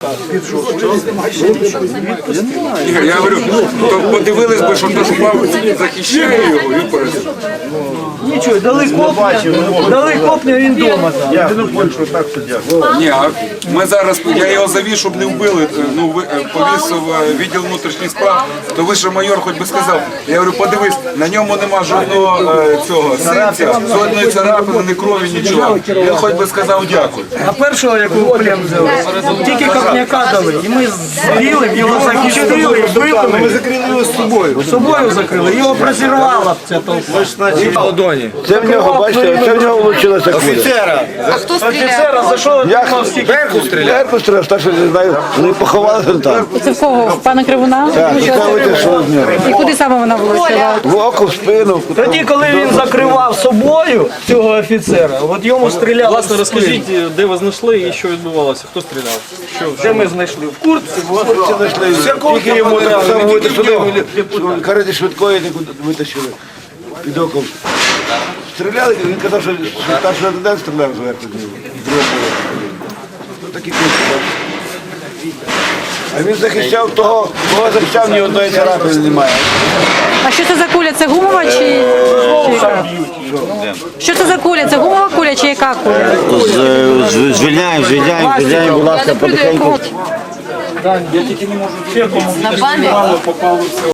Я говорю, подивились би, що наш папа захищає його і перед. Нічого, дали копня, він вдома. Ні, а ми зараз, я його завіз, щоб не вбили, повісив відділ внутрішніх справ, то вищий майор хоч би сказав, я говорю, подивись, на ньому нема жодного цього синця, жодної царапини, ні крові, нічого. Він хоч би сказав дякую. А першого, якого плен взяли, тільки копняка дали, і ми з білим його захистили, вбили. Ми закрили його з собою. З собою закрили, його прозірвала ця толпа. Це в нього, бачите, це в нього вийшло куля. Офіцера. А хто стріляв? Офіцера, за що отримав стільки? Верху стріляв, так що не знаю, вони поховали там. Це в кого? В пана Кривуна? Так, і це вийшло з нього. І куди саме вона влучила? В око, в спину. Тоді, коли він закривав собою цього офіцера, от йому стріляли. Власне, розкажіть, де ви знайшли і що відбувалося? Хто стріляв? Де ми знайшли? В куртці. Хлопці знайшли, тільки йому так само витащили, карети швидкої витащили під оком. Стріляли, він казав, що старший лейтенант стріляв зверху з нього. Такі кульки. А він захищав того, кого захищав, ні одної царапини немає. А що це за куля? Це гумова чи яка? Що це за куля? Це гумова куля чи яка куля? Звільняємо, будь ласка, потихеньку. На бамі?